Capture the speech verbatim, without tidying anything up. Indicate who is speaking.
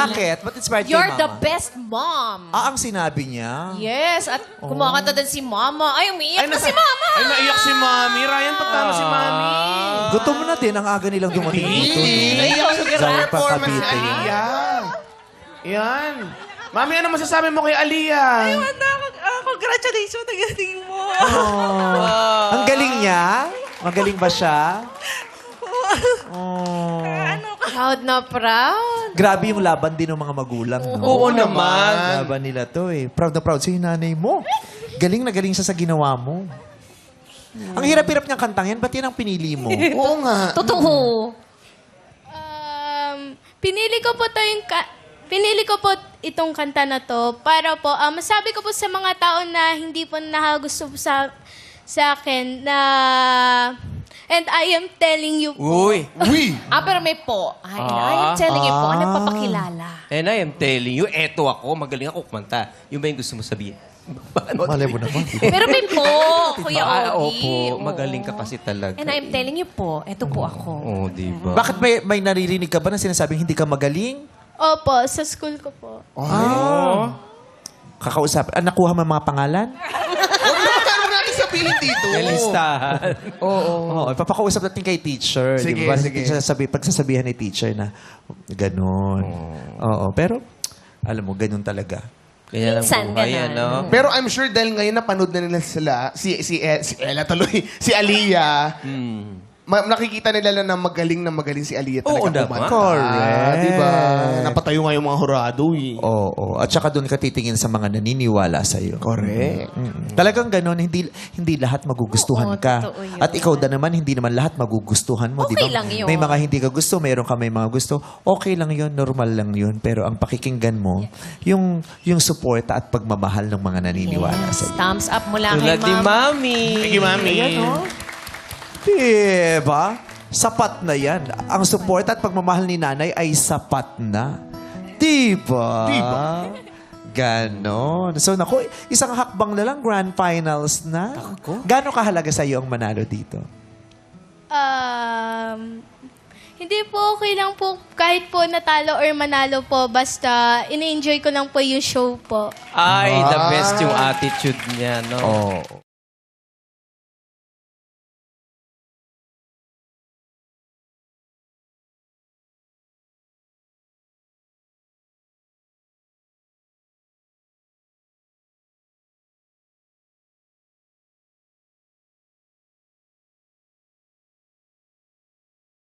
Speaker 1: Bakit? Ba't inspired kay
Speaker 2: You're
Speaker 1: Mama?
Speaker 2: the best mom.
Speaker 1: Ah, ang sinabi niya.
Speaker 2: Yes, at kumakanta din si Mama. Ay, umiiyak na
Speaker 3: nasa-
Speaker 2: si Mama.
Speaker 3: Ay, naiyak si Mami. Ryan, pagtama si Mami.
Speaker 1: Gutom na din ang aga nilang dumating dito.
Speaker 3: Naiyak sa
Speaker 1: Galing pa
Speaker 3: performance ni
Speaker 1: Cavite.
Speaker 3: Aliyah. Yan. Mami, ano masasabi mo kay Aliyah?
Speaker 4: Ah, congratulations, nagaling mo.
Speaker 1: Oh. Ang galing niya? Magaling ba siya? Oh.
Speaker 2: Proud na proud.
Speaker 1: Grabe yung laban din ng mga magulang. No?
Speaker 3: Oo naman.
Speaker 1: Laban nila to eh. Proud na proud si nanay mo. Galing na galing siya sa ginawa mo. Ang hirap-hirap niyang kantang yan, ba't yan ang pinili mo?
Speaker 3: Oo nga.
Speaker 2: Totoo.
Speaker 5: Um, pinili ko po to yung ka- pinili ko po itong kanta na to para po um, masabi ko po sa mga tao na hindi po nakagusto po sa sa akin na and I am telling you po.
Speaker 6: Uy.
Speaker 3: Uy!
Speaker 2: Ah, pero may po. Ay,
Speaker 6: Ah.
Speaker 2: I am telling you po.
Speaker 1: Ah.
Speaker 2: Ano papakilala?
Speaker 6: And I am telling you, eto ako, magaling ako kumanta. Yung ba yung gusto mo sabihin?
Speaker 1: Malay mo naman.
Speaker 2: Pero may po, Kuya
Speaker 6: Ah,
Speaker 2: Ogie.
Speaker 6: opo, magaling ka kasi talaga.
Speaker 2: And I'm telling you po, eto po ako.
Speaker 6: Oo, di ba?
Speaker 1: Bakit may, may naririnig ka ba na sinasabing hindi ka magaling?
Speaker 5: Opo, sa school ko po.
Speaker 1: Ah. Kakausap. Ah, nakuha mo ang mga pangalan?
Speaker 3: Huwag natin sabihin dito.
Speaker 6: May listahan.
Speaker 1: Oo. Oh, ipapakausap natin kay teacher.
Speaker 3: Sige,
Speaker 1: di ba?
Speaker 3: sige.
Speaker 1: Sasabi, pagsasabihan ni teacher na ganun. Oo. Pero, alam mo, ganun talaga.
Speaker 6: Kaya lang
Speaker 2: Minsan
Speaker 6: buhay,
Speaker 2: ganun.
Speaker 6: ano?
Speaker 3: Pero I'm sure dahil ngayon napanood na nila sila, si, si, eh, si Ella tuloy, si Aliyah,
Speaker 6: Hmm.
Speaker 3: ma- nakikita nila na magaling na magaling si Aliyah talaga
Speaker 6: Oo naman.
Speaker 3: kumanta.
Speaker 1: Correct.
Speaker 3: Diba? Napatayo nga yung mga horado eh.
Speaker 1: Oo. At saka doon ka titingin sa mga naniniwala sa'yo.
Speaker 3: Correct.
Speaker 1: Mm. Talagang ganun, hindi hindi lahat magugustuhan
Speaker 2: Oo,
Speaker 1: ka.
Speaker 2: totoo yun.
Speaker 1: At ikaw da naman, hindi naman lahat magugustuhan mo.
Speaker 2: Okay
Speaker 1: di ba?
Speaker 2: lang yun.
Speaker 1: May mga hindi ka gusto, mayroon ka may mga gusto. Okay lang yun, normal lang yun. Pero ang pakikinggan mo, yung yung suporta at pagmamahal ng mga naniniwala
Speaker 2: Yes,
Speaker 1: sa'yo.
Speaker 2: thumbs up mula
Speaker 6: Tulad
Speaker 2: kay
Speaker 6: ni
Speaker 2: Ma'am.
Speaker 6: Mami.
Speaker 3: Thank you, Mami.
Speaker 1: Diba? Sapat na yan. Ang suporta at pagmamahal ni nanay ay sapat na. Diba?
Speaker 3: Diba?
Speaker 1: Ganon. So, naku, isang hakbang na lang, grand finals na. Gano'ng kahalaga sa iyo ang manalo dito?
Speaker 5: Um, hindi po okay lang po kahit po natalo or manalo po basta ini-enjoy ko lang po yung show po.
Speaker 6: Ay, the best yung attitude niya, no?
Speaker 1: Oo.